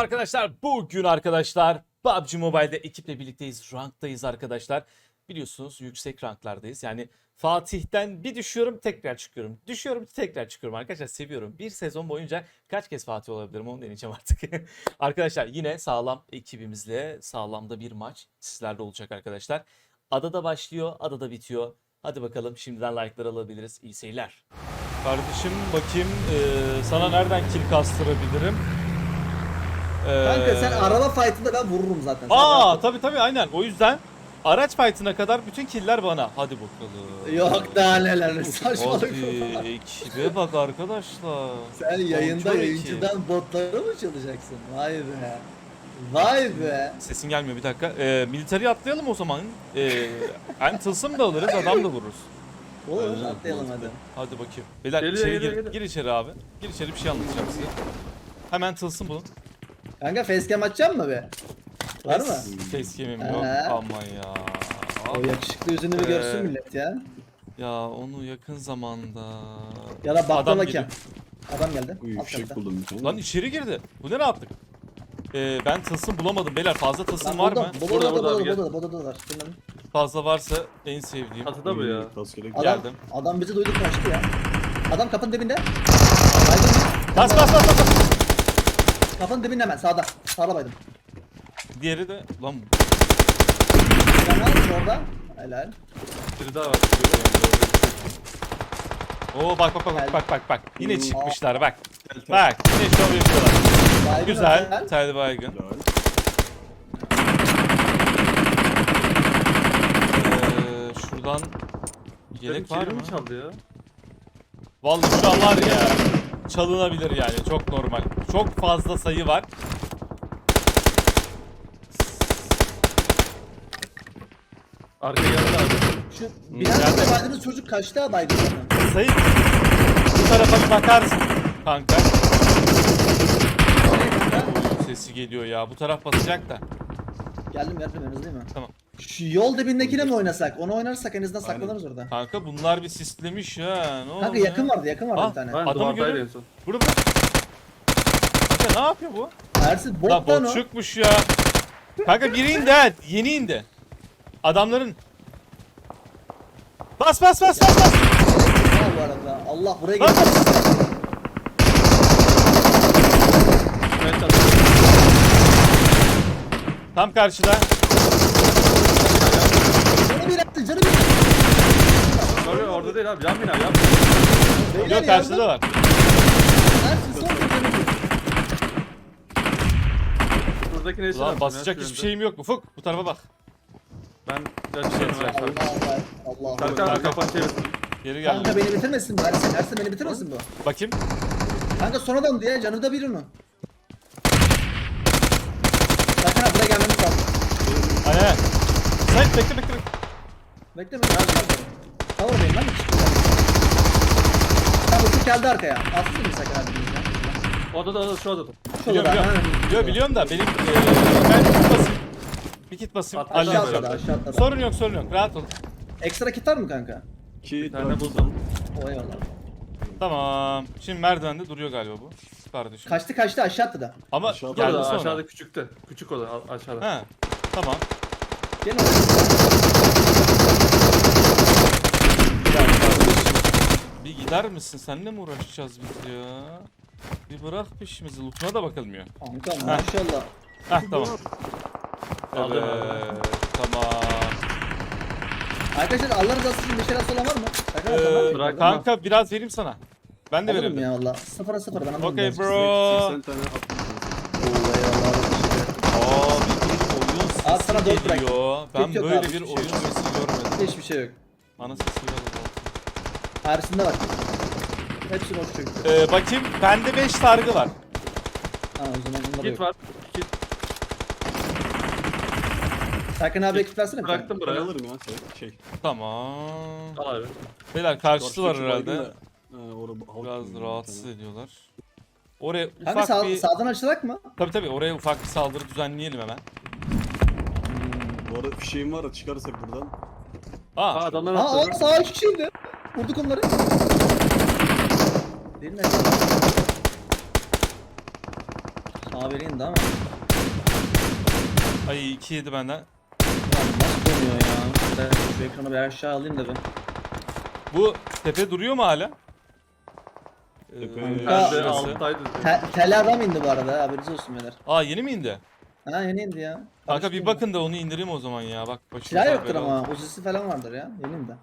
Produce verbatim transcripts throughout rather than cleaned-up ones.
arkadaşlar. Bugün arkadaşlar P U B G Mobile'de ekiple birlikteyiz. Ranktayız arkadaşlar. Biliyorsunuz yüksek ranklardayız. Yani Fatih'ten bir düşüyorum tekrar çıkıyorum. Düşüyorum tekrar çıkıyorum arkadaşlar, seviyorum. Bir sezon boyunca kaç kez Fatih olabilirim onu deneyeceğim artık. Arkadaşlar yine sağlam ekibimizle sağlamda bir maç sizlerle olacak arkadaşlar. Adada başlıyor, adada bitiyor. Hadi bakalım, şimdiden like'lar alabiliriz. İyi seyirler. Kardeşim bakayım eee, sana nereden kill kastırabilirim? Kanka sen Ee, araba fight'ında ben vururum zaten. Sen Aa rahat ol. tabi tabi aynen, o yüzden araç fight'ına kadar bütün killer bana. Hadi bakalım. Yok daha neler saçmalık. Hadi ekibe bak arkadaşlar. Sen yayında Kontrol iki. yayıncıdan botları mı çalacaksın? Vay be. Vay be. Sesin gelmiyor, bir dakika. Ee, military atlayalım o zaman. Ee, hem tılsım da alırız, adam da vururuz. Olur Aynen, atlayalım hadi. Hadi bakayım. Beyler Geliyor, içeri geliyor, gir, geliyor. gir içeri abi. Gir içeri, bir şey anlatacağım size. Hemen tılsım bulun. Kanka facecam açacak mı be? Var mı? Facecam'im Ee? yok ama ya. O yakışıklı yüzünü bir Ee, görsün millet ya. Ya onu yakın zamanda. Ya da Adam bakla bakayım. geliyor. Adam geldi. Uy Alt fişek katta. buldum bir tane. Lan içeri girdi. Bu ne rahatlık? Ee, ben tılsım bulamadım beyler. Fazla tılsım Lan var buldum. mı? Burada Burada, burada burada abi, burada gel. burada burada var. Bilmem. Fazla varsa en sevdiğim. Çatıda bu ya. Rastgele Adam, Geldim. adam bizi duydu kaçtı ya. Adam kapının dibinde. Baydım. Bas bas bas bas. bas. Kapının dibinde hemen sağda. Sağda baydım. Diğeri de lan Sen ne yapıyorsun orada? Helal. Biri daha var. Oo bak bak bak bak bak bak bak. Yine Hmm. çıkmışlar bak. Tel tel. Bak yine şov yapıyorlar. Baygın Güzel. helal. Tel baygın. Helal. Ee, şuradan yelek var mı? Çaldı ya. Vallahi şu an var ya. Çalınabilir yani, çok normal. Çok fazla sayı var. Arka geldi abi. Şu Hmm, binanın geldi. içinde baydığınız çocuk kaçtı baygın zaten. Sayı bu tarafa bir bakarsın kanka. Sesi geliyor ya. Bu taraf basacak da. Geldim geldim en hızlıyım ben. Tamam. Şu yol dibindekine mi oynasak? Onu oynarsak en azından Aynen. saklanırız orada. Kanka bunlar bir sislemiş ha. Ne oldu Kanka ya? yakın vardı yakın vardı Ah, bir tane. Ben Adamı duvardaydı görüyorum. en son. Burada burada. Kanka ne yapıyor bu? Ersin bot La lan o. botçukmuş ya. Kanka biri indi ha. Yeni indi. Adamların. Bas bas bas bas bas. Ha bu arada. Allah buraya Bas geldi. bas. Ben çaldım. Tam karşıda. Canı bir attı canı bir attı. Orada, orada değil abi. Yan bina yan. Beyler Yok, karşıda var. Ersin son bir canı bir. Buradaki ne işin Ulan var? basacak hiçbir şeyim yok. Ufuk bu tarafa bak. Ben kaçıyorum. Şey, ben. Allah Allah. Allah. Serkan abi kafanı çevir. Geri geldi. Kanka beni bitirmesin bu Ersin. Ersin beni bitirmesin bu. Bakayım. Kanka son adam diye canı da bir onu. Serkan abi buraya gelmemiz lazım. Aynen. Sen bekle bekle bekle. Bekle bekle. Cover'dayım lan. Tamam bu geldi arkaya. Atsın mı Serkan abi bizden? Odada odada şu odada. Biliyorum biliyorum. Biliyorum, biliyorum da benim eee ben kit basayım. Bir kit basayım. Aşağı Aşağı Halledeceğim. atladı aşağı atladı. Sorun yok sorun yok. Rahat ol. Ekstra kit var mı kanka? İki Bir tane dört buldum. O eyvallah. Tamam. Şimdi merdivende duruyor galiba bu. Kardeşim. Kaçtı kaçtı aşağı atladı. Ama Aşağıda geldi Orada sonra. aşağıda küçükte. Küçük oda a- aşağıda. Ha. Tamam. Gelin. Ya kardeşim, bir gider misin? Seninle mi uğraşacağız biz ya? Bir bırak peşimizi. Loot'una da bakılmıyor. Kanka maşallah. Heh tamam. Aldım Evet. Tamam. Arkadaşlar Allah rızası için bir şeyler olan var mı? Serkan abi, Ee, var mı? bırak- kanka biraz vereyim sana. Ben de Alırım veririm. ya valla. Sıfıra sıfır ben alırım. Okey ya. bro. seksen tane attım. Oo, eyvallah. Abi bir oyun Abi sana sesi dört bırak. geliyor. Ben Yok, yok böyle abi, bir hiçbir şey oyun yok. sesi görmedim. Hiçbir şey yok. Ana sesi geldi. Ersin'de var. Hepsi boş çocuk. Ee, bakayım bende beş sargı var. Tamam o zaman bunları Kit yok. var. Kit Serkan abi ekip versene bir tane. bıraktım Ben buraya. alırım ya şey. şey. Tamam. Al abi. Beyler karşısı var Karşıdaki baygın herhalde. da, ha, orada halk Biraz gibi rahatsız bir tane. ediyorlar. Oraya Kanka ufak sağ, bir... sağdan açılak mı? Tabii tabii oraya ufak bir saldırı düzenleyelim hemen. Bu arada fişeğim var da çıkarırsak buradan. Aa, Aa adamlar Aa, aa atladı. sağ iki kişiydi. Vurduk onları. Değil mi? Abi indi ama. Ay iki yedi benden. Lan nasıl dönüyor ya? Ben şu ekranı bir aşağı alayım da ben. Bu tepe duruyor mu hala? Ee, Tepe- Ben de Kanka- alttaydı. Te tel adam indi bu arada, haberiniz olsun beyler. Aa yeni mi indi? Ha yeni indi ya. Kanka bir Karıştırma. bakın da onu indireyim o zaman ya. Bak başımıza Silah yoktur bela oldu. ama uzisi falan vardır ya. Yeni indi.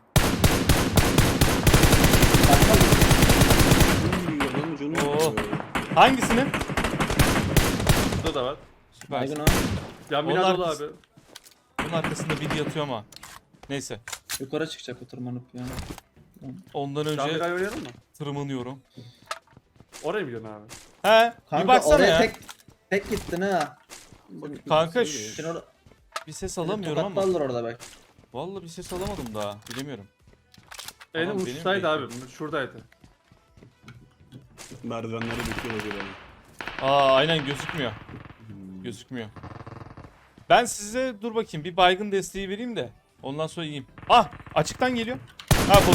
Uy, adamın canı Oo. yok. Hangisini? Burada da var. Süpersin. Baygın o. Yan Onlar bina dolu biz- abi. Bunun arkasında biri yatıyor ama. Neyse. Yukarı çıkacak o tırmanıp ya. Ondan Yan önce binayı oynayalım mı? tırmanıyorum. Oraya mı gidiyorsun abi? He, Kanka bir baksana oraya ya. tek tek gittin ha. Kanka Söyle. Sen orada bir ses alamıyorum ama. tokatlarlar orada bak. Vallahi bir ses alamadım daha. Bilemiyorum. En Tamam, benim uçtaydı abi. bekliyorum. Şuradaydı. Merdivenlere bekliyorlar böyle. Aa aynen gözükmüyor. Gözükmüyor. Ben size dur bakayım bir baygın desteği vereyim de ondan sonra yiyeyim. Ah açıktan geliyor. Ha botu.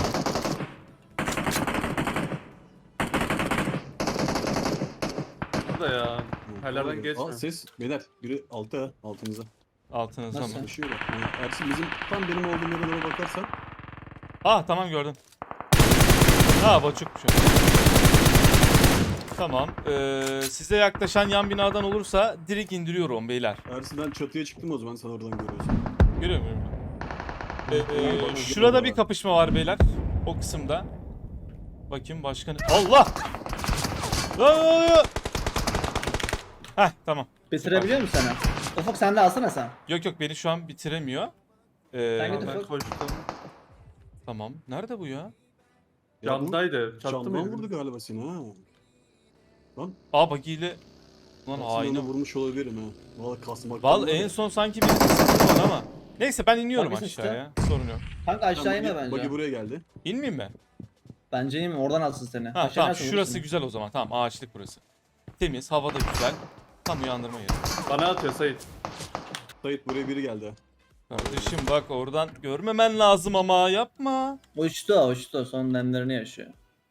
Burada ya. Herlerden geçmiyor. Aa ses beyler biri altta ha, altımıza. Altınızda Nasıl? mı? Koşuyor bak. Yani Ersin bizim tam benim olduğum yere doğru bakarsan Ah tamam gördüm. Ha boçukmuş. o. Tamam. Ee, size yaklaşan yan binadan olursa direkt indiriyorum beyler. Ersin ben çatıya çıktım o zaman sen oradan görüyorsun. Görüyor musun? Ee, Ee, e, şurada bir kapışma var beyler. O kısımda. Bakayım başka ne? Allah! Lan ne oluyor? Heh tamam. Bitirebiliyor musun sen? Ufuk sen de alsana sen. Yok yok beni şu an bitiremiyor. Ee, Ben götür- Ben koştum. tamam. Nerede bu ya? Ya bu Camdaydı. Çattı Camdan mı? vurdu galiba seni ha. Lan Aa bagiyle. Lan aslında aynı. onu vurmuş olabilirim ha. Valla kasmak. Val en son sanki bir sıkıntı var ama. Neyse ben iniyorum Bagi aşağıya. Sorun yok. Kanka aşağı inme bence. Bagi buraya geldi. İnmeyeyim mi? Bence inme, oradan alsın seni. Ha Aşağı tamam inersen şurası vurursun. güzel o zaman. Tamam ağaçlık burası. Temiz, hava da güzel. Tam uyandırma yeri. Bana atıyor Sait. Sait buraya biri geldi. Kardeşim bak oradan görmemen lazım ama yapma. Uçtu o, uçtu. Son demlerini yaşıyor.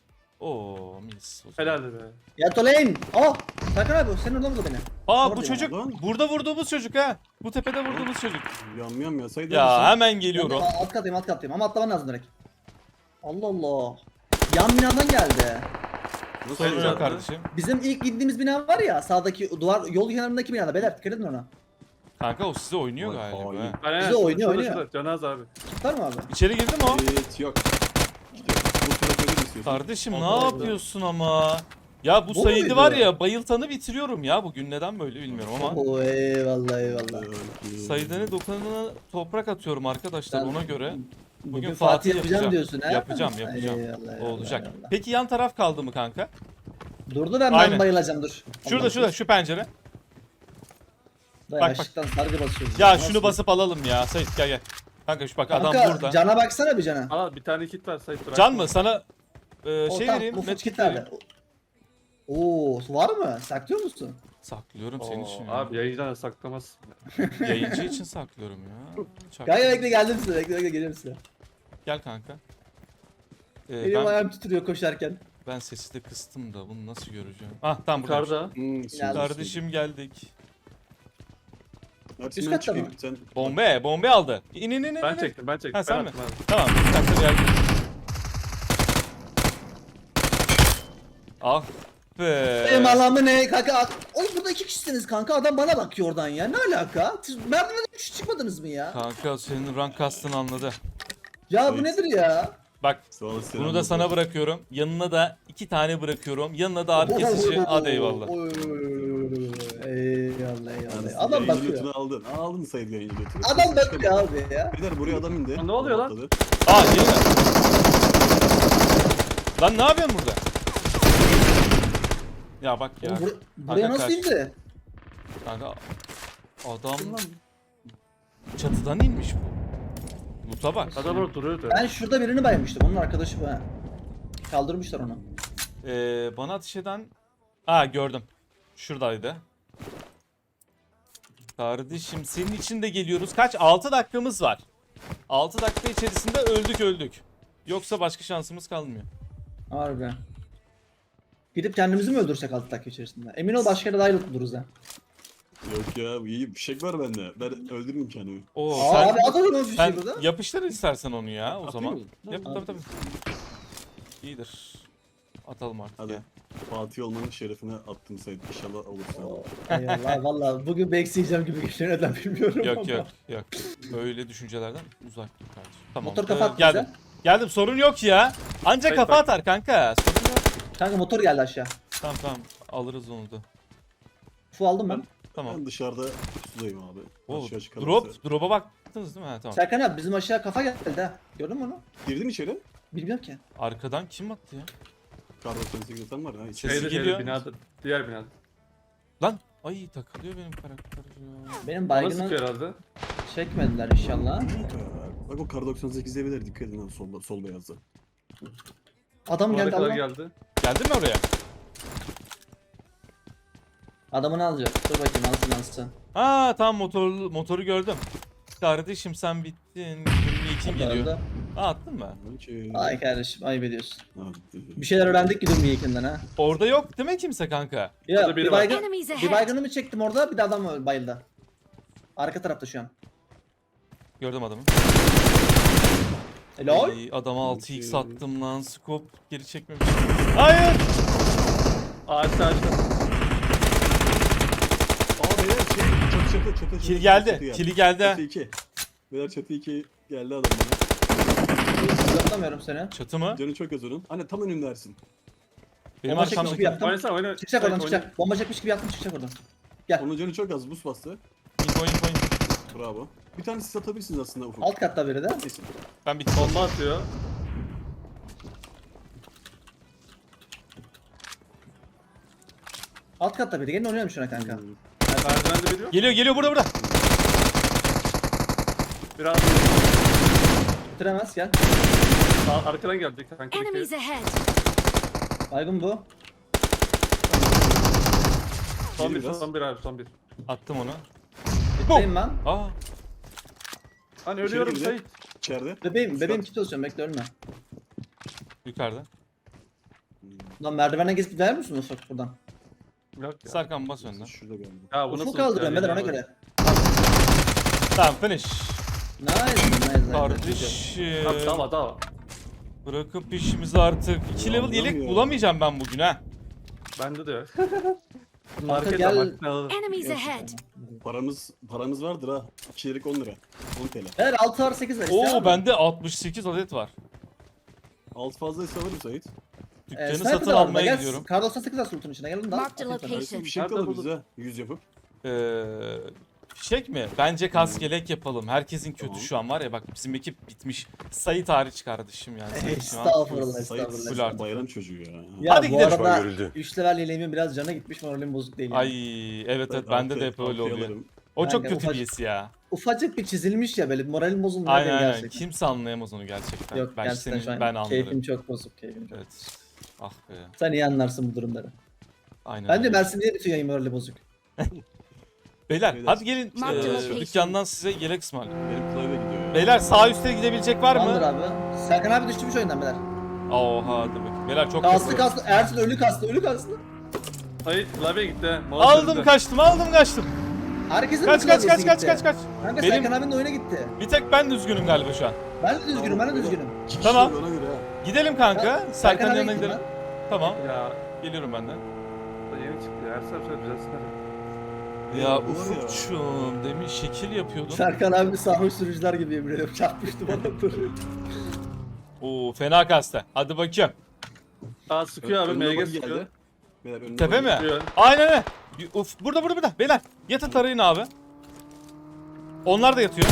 Oo mis. o zaman. Helaldi be. Yat olayın. Oh! Sakın abi, sen oradan vurdu beni. Aa bu Orada çocuk lan. burada vurduğumuz çocuk ha. Bu tepede vurduğumuz çocuk. Yam yam ya Sait Ya neredesin? hemen Ben geliyorum. de alt katayım, alt katayım ama atlaman lazım direkt. Allah Allah. Yan binadan geldi. Nasıl Sorun Sait yok abi. kardeşim. Bizim ilk gittiğimiz bina var ya, sağdaki duvar, yol kenarındaki binada. Beyler dikkat edin ona. Kanka o size oynuyor Vay galiba. hain. ha. Aynen, Bizi şurada, oynuyor, şurada, oynuyor. şurada. Canaz abi. Tutar mı abi? İçeri girdi mi o? Evet yok. İşte bu tarafa gir istiyorsun. Kardeşim ne Allah Allah. yapıyorsun ama? Ya bu Bu Said'i muydu? var ya bayıltanı bitiriyorum ya bugün neden böyle bilmiyorum ama. Oo eyvallah eyvallah. Ee, Said'e dokunana toprak atıyorum arkadaşlar Ben- ona göre. Bugün, Bugün Fatih Fatih yapacağım yapacağım. diyorsun ha? Yapacağım, yapacağım. Eyvallah, O eyvallah, olacak. eyvallah. Peki yan taraf kaldı mı kanka? Durdu ben Aynen. ben bayılacağım dur. Şurada Allah şurada şu pencere. Dayı bak, bak. aşıktan sargı basıyoruz. Ya Nasıl? şunu basıp alalım ya Said gel gel. Kanka şu bak adam Kanka, burada. cana baksana bir cana. Al bir tane kit ver Sait. bırak. Can mı? Sana e, O şey tam vereyim. ufuk Medkit kitlerle. vereyim. Oo var mı? Saklıyor musun? Saklıyorum senin Oo, için ya. abi yayıncıdan saklamaz. Yayıncı için saklıyorum ya. Çak- Kanka bekle geldim size, bekle bekle geliyorum size. Gel kanka. Ee, Benim ben, ayağım titriyor koşarken. ben sesi de kıstım da bunu nasıl göreceğim? Ah tamam burada. Yukarıda. Hmm, Ya- Kardeşim geldik. Ersin Üst ben katta çıkayım. mı? Sen Bombe, bombe aldı. İn in in in. Ben in. çektim ben çektim. Ha, ben sen mi? attım abi. Tamam, bir dakika geldim. Ah be. Benim alamı ne kanka? at- Oğlum burada iki kişisiniz kanka, adam bana bakıyor oradan ya, ne alaka? Siz merdivenden üç çıkmadınız mı ya? Kanka senin rank kastını anladı. Ya bu Evet. nedir ya? Bak sağ ol, bunu selam da olsun. sana bırakıyorum. Yanına da iki tane bırakıyorum. Yanına da ağrı kesici. Hadi eyvallah. Oy, Eyvallah eyvallah. Ersin, Adam yayıncı bakıyor. götünü aldın. Aa, aldın Sait yayıncı götünü. Adam bakıyor abi ya. Beyler buraya adam indi. Lan ne oluyor lan? Atladı. Aa yeni mi? Lan ne yapıyorsun burada? Ya bak ya. Oğlum, bur- buraya Kanka nasıl kaç. indi? Kanka adam çatıdan inmiş bu. Loot'a bak. Adam orada duruyordu. Ben şurada birini baymıştım, onun arkadaşı bu ha. Kaldırmışlar onu. Ee, bana ateş eden... Aa gördüm. Şuradaydı. Kardeşim senin için de geliyoruz. Kaç? altı dakikamız var. altı dakika içerisinde öldük öldük. Yoksa başka şansımız kalmıyor. Harbi. Gidip kendimizi mi öldürsek altı dakika içerisinde? Emin ol başka yere dahil buluruz ha. Yok ya iyi fişek var bende. Ben öldürürüm kendimi. Oo, Aa, sen, abi at o zaman bir sen şey burada. yapıştır istersen onu ya o Atayım zaman. mı? Yap Tamam. tabii tabii. İyidir. Atalım artık Hadi. ya. Fatih olmanın şerefine attım Sait. İnşallah olursa. Oo, Eyvallah valla bugün bekleyeceğim gibi geçiyor neden bilmiyorum Yok ama. yok yok. Öyle düşüncelerden uzak dur kardeşim. Tamam. Motor ee, kafa attı geldim. bize. Geldim sorun yok ya. Ancak Hayır, kafa bak. atar kanka. Sorun yok. Kanka motor geldi aşağı. Tamam tamam alırız onu da. Fu aldım ben. Tamam. Ben dışarıda pusudayım abi. Oo, Aşağı çıkalım. drop, drop'a baktınız değil mi? Ha, tamam. Serkan abi bizim aşağı kafa geldi ha. Gördün mü onu? Girdin içeri. Bilmiyorum ki. Arkadan kim attı ya? Kar doksan sekiz atan var ha. Sesi İçeri. Şeyde geliyor. şeyde binada. Diğer binada. Lan ay takılıyor benim karakter ya. Benim Bana baygını sıkıyor herhalde. çekmediler inşallah. Bak o kar doksan sekiz evler dikkat edin lan solda, sol beyazda. Adam Oraya geldi kadar Allah. geldi. Geldin mi oraya? Adamını alacak. Dur bakayım alsın alsın. Aa tamam motorlu motoru gördüm. Kardeşim sen bittin. yirmi iki geliyor. Öldü. Aa attın mı? Okey. Ay kardeşim ayıp ediyorsun. Hadi. Bir şeyler öğrendik ki dur Miyekin'den ha. Orada yok değil mi kimse kanka? Ya Orada biri bir var. baygın, Enemies bir ahead. baygını çektim orada bir de adam öldü, bayıldı. Arka tarafta şu an. Gördüm adamı. Helal. Ay, adama altı x attım lan. Scope geri çekmemiş. Hayır. Ağaçta ağaçta. Aa beyler şey çatı çatı çatı çatı. Kil geldi. çatı Kili geldi. Çatı iki. Beyler çatı iki geldi adam bana. Zıplamıyorum seni. Çatı mı? Canı çok az onun. Anne tam önünde Ersin. Benim Bomba çekmiş gibi arkamdaki. yaptım. Oynasana oyna. Çıkacak oradan Oyna. çıkacak. Bomba çekmiş gibi yaptım çıkacak oradan. Gel. Onun canı çok az buz bastı. Info info info. Bravo. Bir tane siz atabilirsiniz aslında ufuk. Alt katta biri de. Neyse. Ben bittim. Bomba atıyor. Alt katta biri. Gelin oynayalım şuna kanka. Hmm. Merdivende veriyor. Geliyor geliyor burada burada. Biraz Bitiremez gel. Aa, arkadan geldi kanka. Enemies ahead. Baygın bu. Son bir, biraz. son bir abi, son bir. Attım onu. Bitteyim ben. Aa. Hani ölüyorum girdi. Sait. İçeride. Bebeğim, bebeğim Şurada. kit olsun bekle ölme. Yukarıda. Lan merdivene gezip gider misin Ufuk buradan? Yok ya. Sarkan bas önden. Şurada galiba. Ya bu nasıl? Ufuk kaldırıyorum ya, Beder ona ya, göre. Tamam finish. Nice nice nice. Kardeşim. Tamam tamam tamam. Bırakıp işimizi artık. iki level Anlamıyorum yelek ya. bulamayacağım ben bugün ha. Bende de yok. Kanka Market gel. gel. Enemies ahead. Paramız paramız vardır ha. İkilik on lira. on T L. Ver altı var sekiz ver. isteyen var Oo mı? bende altmış sekiz adet var. Alt fazlaysa alırım Sait. Ee, Dükkanı sniper satın de var burada, almaya gel. gidiyorum. Kar doksan sekiz var sultun içine gelin daha. Marked a Atayım sana. location. Ersin bir şey Nerede alırız buldun? ha. Yüz yapıp. Ee, fişek mi? Bence kask yelek yapalım. Herkesin kötü Tamam. şu an var ya bak bizim ekip bitmiş. Sait hariç kardeşim yani. Sait şu an. Estağfurullah Sait estağfurullah. full artık. bayram çocuğu ya. Ya Hadi bu gidelim. arada Görüldü. üç level yeleğimin biraz canı gitmiş moralim bozuk değil. Yani. Ay evet evet bende de hep öyle oluyor. O çok Kanka, kötü ufak- birisi ya. Ufacık bir çizilmiş ya böyle moralim bozulmuyor Aynen benim aynen. gerçekten. Kimse anlayamaz onu gerçekten. Yok ben gerçekten senin, şu an ben anlarım. keyfim çok bozuk keyfim çok. Evet. Ah be. Sen iyi anlarsın bu durumları. Aynen. Bence öyle. Mersin diye bütün yayın morali bozuk. Beyler Beyler. hadi gelin Marked eee, location. dükkandan size yelek ısmarlayayım. Benim klavye gidiyor ya. Beyler sağ üstte gidebilecek var Tamamdır mı? abi. Serkan abi düştümüş oyundan beyler. Oha hadi bakayım. Beyler çok Kastı kötü. kastı. Ersin ölü kastı ölü kastı. Sait klavye gitti. Mouse Aldım önünde. kaçtım aldım kaçtım. Herkesin Kaç mi kaç klavyesi kaç kaç gitti? kaç kaç. Kanka Benim- Serkan abinin de oyuna gitti. Bir tek ben düzgünüm galiba şu an. Ben de düzgünüm ben de Tamam, düzgünüm. İki kişi Tamam. ona göre ha. Gidelim kanka. Ya, Serkan'ın abi yanına gittim gidelim. Tamam. Ya Geliyorum ben de. yeni çıktı ya. Her sefer şöyle düzelsin hadi. Ya Ya, bu var ya. Ufukçum demin şekil ben. yapıyordun. Serkan abi sarhoş sürücüler gibi yemin ediyorum. Çarpmıştı bana dur. Oo fena kasta. Hadi bakayım. Aa sıkıyor abi. Önüne M G bak sıkıyor. geldi. Beyler önüne Tepe bak mi? geldi. Sıkıyor. Aynen öyle. Bir- Uf burada burada burada. Beyler yatın tarayın abi. Onlar da yatıyor.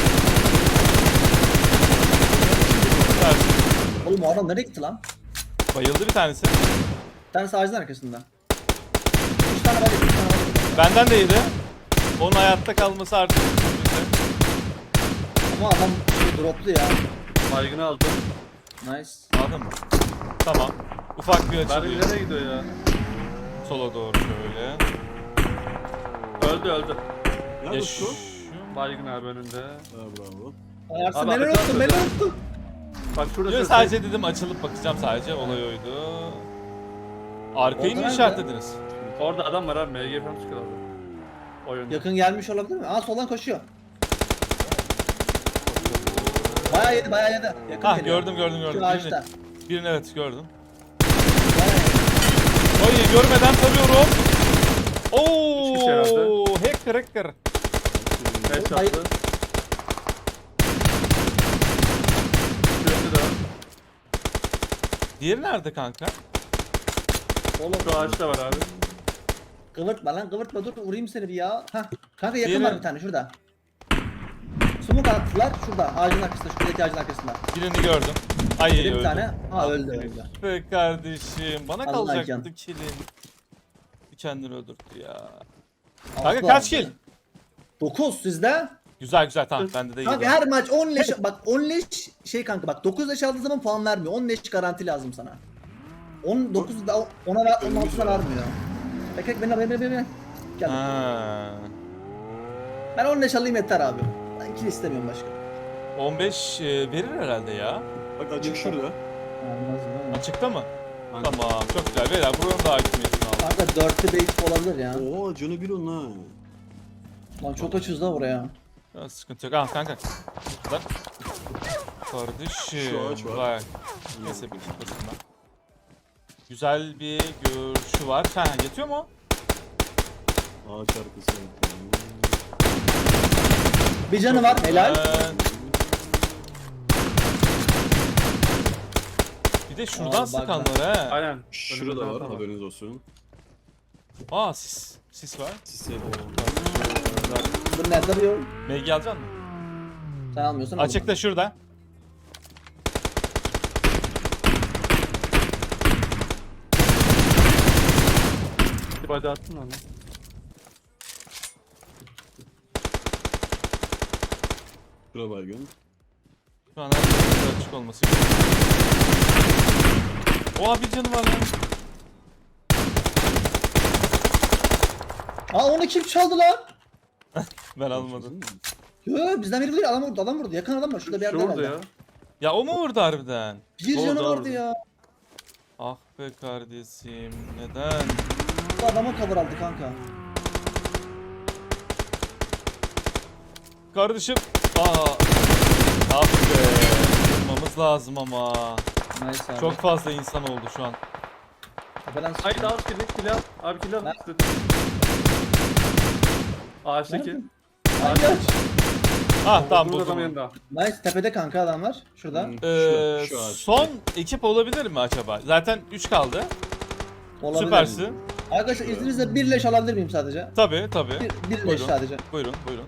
Evet, Oğlum o adam nereye gitti lan? bayıldı bir tanesi. Bir tanesi ağacın arkasında. Üç tane var üç tane var. Benden de yedi. Onun hayatta kalması artık. Ama adam şey droplu ya. Baygını aldım. Nice. Anladın mı? Tamam. Ufak bir Mermi açılıyor. nereye gidiyor ya? Sola doğru şöyle. Öldü öldü. Ya Yaş. Utku. Baygın abi önünde. Ha bravo. Ersin Abi, beni abi, unuttun beni abi. unuttun. Bak şurada Yo, şurada. sadece dedim açılıp bakacağım sadece. Olay oydu. Arkayı mı Orada işaretlediniz? Orada adam var abi. M G falan çıkıyor orada. Oyunda. Yakın gelmiş olabilir mi? Aa soldan koşuyor. Bayağı yedi bayağı yedi. Yakın Hah geliyor. gördüm gördüm gördüm. Şu Birini, ağaçta. birini evet gördüm. Bayağı yedi. Oy görmeden tarıyorum. Üç kişi herhalde. Oo, hacker hacker. Beş Hayır. yaptı. Şurada da. Diğeri nerede kanka? Oğlum Şu ağaçta var abi. kıvırtma lan kıvırtma dur vurayım seni bir ya. Hah. Kanka yakın Diğeri- var bir tane şurada. Smoke attılar şurada ağacın arkasında şuradaki ağacın arkasında. Birini gördüm. Ay Bir öldü. tane. Ha öldü öldü. Be kardeşim bana Allah kalacaktı can. killin. Bir kendini öldürdü ya. Altı Kanka kaç aldı. kill? dokuz sizde. Güzel güzel tamam bende de iyi. Kanka her maç on leş bak on leş şey kanka bak dokuz leş aldığın zaman puan vermiyor. on leş garanti lazım sana. on dokuz da ona ver on Önümüz altısına var. vermiyor. Bek bek beni beni beni beni. Gel. Ha. Ben on leş alayım yeter abi. Ben kill istemiyorum başka. on beş e, verir herhalde ya. Bak açık şurada. Olmaz mı? Açıkta mı? Aynen. Tamam çok güzel. Beyler buranın da hakimiyetini aldım. Kanka dörtte bait olabilir ya. Oo canı bir onun ha. Lan çok açız da buraya. Ya, sıkıntı yok. Ah kanka. Lan. Kardeşim. Şu ağaç var. Bak. Neyse bir kitlesin ben. Güzel bir görüşü var. Ha yatıyor mu? Ağaç arkası. Bir canı var helal. Ben- Bir de şuradan Aa, bak, sıkanlar he. Aynen. Şurada Önümüzde var adam haberiniz olsun. Aa sis. Sis var. Sisle. Dur nerede duruyor? M G alacaksın mı? Sen almıyorsan al. Açıkta şurada. Bir body attın lan. Şura baygın. Şu an her tarafı açık olması gerekiyor. Oha bir canı var lan. Aa onu kim çaldı lan? Ben almadım. Yo bizden biri vuruyor adam vurdu adam vurdu yakın adam var şurada bir yerde Şurada herhalde. ya. Ya o mu vurdu harbiden? Bir Orada, canı vardı orada. ya. Ah be kardeşim neden? Bu adama cover aldı kanka. Kardeşim. Aa. Ah be. Vurmamız lazım ama. Nice abi. Çok fazla insan oldu şu an. Tepeden sıktı. Haydi al kili. Kili al. Abi kili al. Ben- Ağaçtaki. Nerede? Hangi aç? Ah tamam Burada bu adam zaman. yanında. Nice tepede kanka adamlar. Şurada. Hmm. Ee, Şu- şu ağaç. son ekip olabilir mi acaba? Zaten üç kaldı. Olabilir. Süpersin. Arkadaşlar izninizle bir leş alabilir miyim sadece? Tabii tabii. Bir, bir leş Buyurun. sadece. Buyurun buyurun.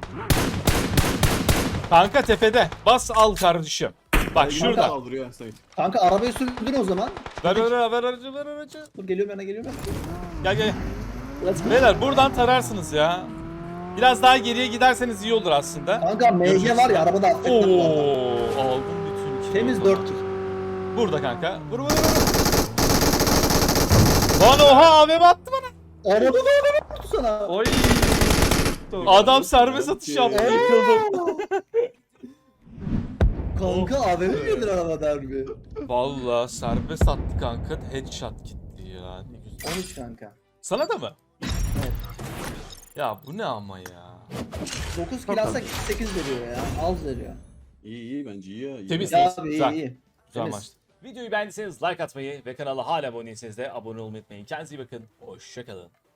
Kanka tepede. Bas al kardeşim. Bak şurada. Kaldırıyor ya Sait. Kanka arabayı sürdün o zaman. Ver ver ver aracı ver aracı. Dur geliyorum yana geliyorum. Gel gel. Let's go. Beyler buradan tararsınız ya. Biraz daha geriye giderseniz iyi olur aslında. Kanka M G Görüşürüz. var ya arabada affetmem bu arada. Oo, aldım bütün kilo. Temiz dört kill. Burada kanka. Vur vur vur. Lan oha A V M attı bana. Arabada araba vurdu sana. Oy. Adam serbest atış yaptı. Ee? Yıkıldım. Kanka A V M mi yedin arabada harbi? Valla serbest attı kanka. Headshot gitti ya. Ne güzel. on üç kanka. Sana da mı? Evet. Ya bu ne ama ya. dokuz kill alsak sekiz veriyor ya. Az veriyor. İyi iyi bence iyi ya. iyi. Temiz. Ya Güzel. abi iyi Güzel. iyi. Güzel Temiz. maçtı. Videoyu beğendiyseniz like atmayı ve kanala hala abone değilseniz de abone olmayı unutmayın. Kendinize iyi bakın. Hoşçakalın.